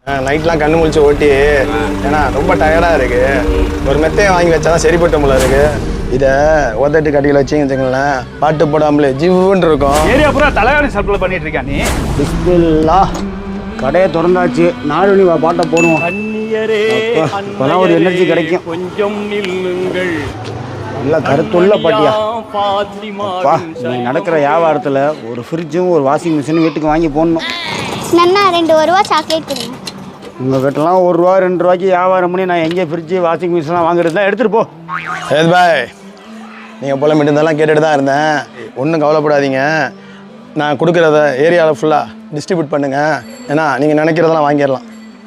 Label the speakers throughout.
Speaker 1: நைட்லாம் கண்ணு முழிச்சு ஓட்டி ஏன்னா ரொம்ப டயர்டாக இருக்கு. ஒரு மெத்தையை வாங்கி வச்சாதான் சரிப்பட்ட முள்ள இருக்கு. இதை ஒத்தட்டு கட்டியில் வச்சிங்க வச்சுங்களேன், பாட்டு போடாமலே ஜிவ்வுன்னு இருக்கும்.
Speaker 2: ஏரியா பூரா தலையாணி சப்ளை பண்ணிட்டு இருக்கா நீ?
Speaker 3: பிஸ்மில்லா, கடையை திறந்தாச்சு, 4 மணி பாட்டை போடுவோம். இப்போதான் ஒரு எனர்ஜி கிடைக்கும்.
Speaker 2: கொஞ்சம் நில்லுங்கள்.
Speaker 3: நல்ல கருத்துள்ள பாட்டியா. அப்பா, நீ நடக்கிற வியாபாரத்தில் ஒரு ஃப்ரிட்ஜும் ஒரு வாஷிங் மிஷினும் வீட்டுக்கு வாங்கி போடணும்.
Speaker 4: நன்னா 2 ரூபா சாக்லேட் கொடுங்க.
Speaker 3: உங்கள் கிட்டலாம் 1 ரூபா 2 ரூபாய்க்கு வியாபாரம் பண்ணி நான் எங்கே ஃப்ரிட்ஜு வாஷிங் மிஷின்லாம் வாங்குறது தான் எடுத்துகிட்டு போ.
Speaker 1: ஏது பாய், நீங்கள் போல மட்டும்தான் கேட்டுட்டு தான் இருந்தேன். ஒன்றும் கவலைப்படாதீங்க, நான் கொடுக்குறத ஏரியாவில் ஃபுல்லாக டிஸ்ட்ரிபியூட் பண்ணுங்கள். ஏன்னா நீங்கள் நினைக்கிறதெல்லாம் வாங்கிடலாம்.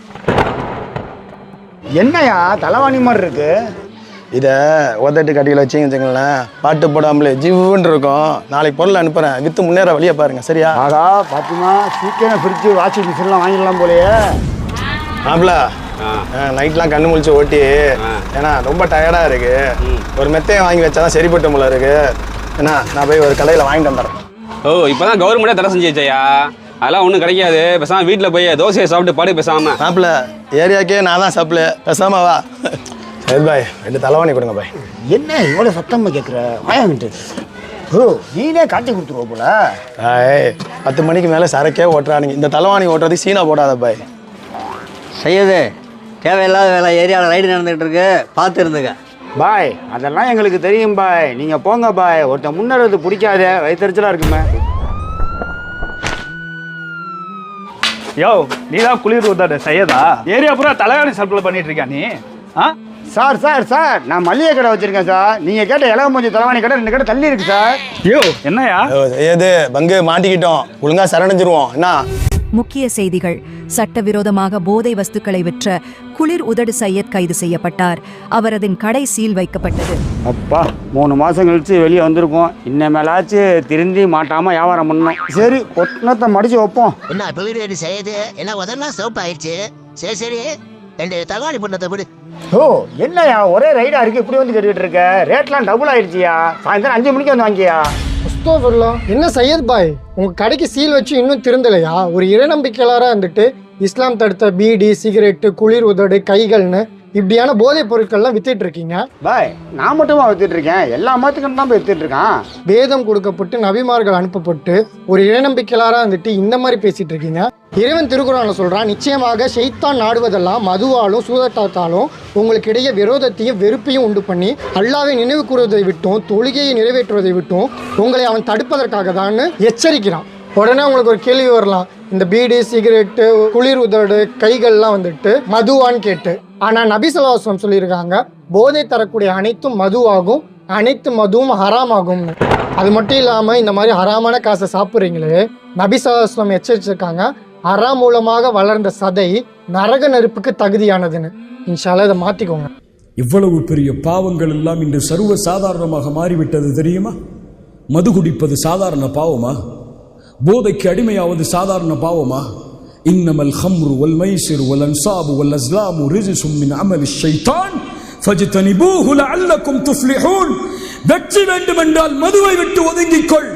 Speaker 3: என்னையா தலைவாணி மாதிரி இருக்கு?
Speaker 1: இதை ஒத்தட்டு கட்டியில் வச்சிங்க வச்சுங்களேன், பாட்டு போடாமலே ஜிவ்வுன்னு இருக்கும். நாளைக்கு பொருள் அனுப்புகிறேன், விற்று முன்னேற வழியை பாருங்கள். சரியா?
Speaker 3: ஆகா பாத்திமா, சீக்கிரம் ஃப்ரிட்ஜு வாஷிங் மிஷின்லாம் வாங்கிடலாம் போலையே.
Speaker 1: ஆப்ல நைட்லாம் கண்ணு முழிச்சு ஓட்டி ஏன்னா ரொம்ப டயர்டாக இருக்கு. ஒரு மெத்தையை வாங்கி வச்சாதான் சரிப்பட்ட முள்ள இருக்கு. ஏன்னா நான் போய் ஒரு கடையில் வாங்கிட்டு வந்துடுறேன்.
Speaker 5: ஓ, இப்போதான் கவர்மெண்ட்டே தடை செஞ்சு வச்சையா? அதெல்லாம் ஒன்றும் கிடைக்காது. பேசாமல் வீட்டில் போய் தோசையை சாப்பிட்டு பாடு பேசாமல்.
Speaker 1: மாப்பிள்ள ஏரியாக்கே நான் தான் சப்ளை, பேசாம வா. சரி பாய், 2 தலைவாணி கொடுங்க பாய்.
Speaker 3: என்ன இவ்வளோ சத்தமாக கேட்குற? வாங்கிட்டு ஓ, நீனே காட்டி கொடுத்துருவோம் போல.
Speaker 1: பாய் 10 மணிக்கு மேலே சரக்கே ஓட்டுறானுங்க. இந்த தலைவாணி ஓட்டுறதுக்கு சீனா போடாத பாய்.
Speaker 6: செய்யுது தேவையில்லாத வேலை ஏரியாவில் ரைடு நடந்துகிட்டு இருக்கு, பார்த்து இருந்துங்க.
Speaker 3: பாய் அதெல்லாம் எங்களுக்கு தெரியும் பாய், நீங்கள் போங்க பாய். ஒருத்தன் முன்னேறது பிடிக்காதே, வயிற்றுச்சலாக இருக்குமே.
Speaker 2: யோ, நீ தான் குளிர் ஊத்தாட செய்யதா? ஏரியா பூரா தலையாணி சப்ளை பண்ணிட்டு இருக்கா நீ?
Speaker 3: சார் சார் சார், நான் மளிகை கடை வச்சுருக்கேன் சார். நீங்கள் கேட்ட இலவமஞ்சி தலைவாணி கடை 2 கடை தள்ளி இருக்கு சார்.
Speaker 2: யோ என்னையா
Speaker 1: ஏது பங்கு மாட்டிக்கிட்டோம், ஒழுங்கா சரணடைஞ்சிருவோம். என்ன
Speaker 7: முக்கிய செய்திகள். சட்டவிரோதமாக போதை வஸ்துக்களை விற்ற குளிர் உதடு சையத் கைது செய்யப்பட்டார். அவரதின் கடை சீல் வைக்கப்பட்டது.
Speaker 3: அப்பா 3 மாதம் கழிச்சு வெளியே வந்திருக்கோம். இன்னமேலாச்சும் திருந்தி மாட்டாமல் வியாபாரம் பண்ணணும். சரி, ஒட்டனத்தை மடித்து வைப்போம்.
Speaker 8: என்ன இப்போ வீடு செய்யுது? என்ன உதெல்லாம் சோப்பு ஆயிடுச்சு. சரி சரி, 2 தகாணி பண்ணதை விடு.
Speaker 3: ஓ, என்னையா ஒரே ரைடா இருக்கு, இப்படி வந்து கேட்டுக்கிட்டு இருக்க? ரேட்லாம் டபுள் ஆயிடுச்சியா. சாயந்தரம் 5 மணிக்கு வந்து வாங்கியா.
Speaker 9: என்ன சையத் பாய், உங்க கடைக்கு சீல் வச்சு இன்னும் திருந்தலையா? ஒரு இறைநம்பிக்கையாளராக இருந்துட்டு இஸ்லாம் தடுத்த பீடி, சிகரெட்டு, குளிர் உதடு, கைகள்னு இப்படியான போதைப் பொருட்கள்லாம் வித்துட்டு இருக்கீங்க.
Speaker 3: பாய் நான் மட்டுமா வித்துட்டு இருக்கேன்? எல்லா மதத்துக்கும் தான் போய் வித்துட்டு இருக்கான்.
Speaker 9: வேதம் கொடுக்கப்பட்டு நபிமார்கள் அனுப்பப்பட்டு ஒரு இறைநம்பிக்கையாளராக இருந்துட்டு இந்த மாதிரி பேசிட்டு இருக்கீங்க. இறைவன் திருக்குறான்ல சொல்றான், நிச்சயமாக ஷைத்தான் நாடுவதெல்லாம் மதுவாலும் சூதாட்டத்தாலும் உங்களுக்கு இடையே விரோதத்தையும் வெறுப்பையும் உண்டு பண்ணி அல்லாஹ்வை நினைவு கூறுவதை விட்டும் தொழுகையை நிறைவேற்றுவதை விட்டும் உங்களை அவன் தடுப்பதற்காக தான் எச்சரிக்கிறான். உடனே உங்களுக்கு ஒரு கேள்வி வரலாம், இந்த பீடி, சிகரெட்டு, குளிர் உதடு, கைகள்லாம் வந்துட்டு மதுவான்னு கேட்டு. ஆனால் நபி ஸல்லல்லாஹு அலைஹி வஸல்லம் சொல்லியிருக்காங்க, போதை தரக்கூடிய அனைத்தும் மதுவாகும், அனைத்து மதுவும் ஹராமாகும்னு. அது மட்டும் இல்லாமல் இந்த மாதிரி ஹராமான காசை சாப்பிட்றீங்களே, நபி ஸல்லல்லாஹு அலைஹி வஸல்லம் எச்சரிச்சிருக்காங்க, ஹராம் மூலமாக வளர்ந்த சதை நரக நெருப்புக்கு தகுதியானதுன்னு. இன்ஷா அல்லாஹ் இதை மாற்றிக்கோங்க.
Speaker 10: இவ்வளவு பெரிய பாவங்கள் எல்லாம் இன்று சர்வ சாதாரணமாக மாறிவிட்டது தெரியுமா? மது குடிப்பது சாதாரண பாவமா? போதைக்கு அடிமையாவது சாதாரண பாவமா? இன்னமல் ஹம்ரு வல் மைசிர் வல் அன்சாபு வல் அஸ்லாமு ரிஜ்சும் மின் அமலிஷ் ஷைத்தான் ஃபஜ்தனிபூஹு லஅல்லக்கும் துஃப்லிஹூன். வெற்றி வேண்டுமென்றால் மதுவை விட்டு ஒதுங்கிக்கொள்.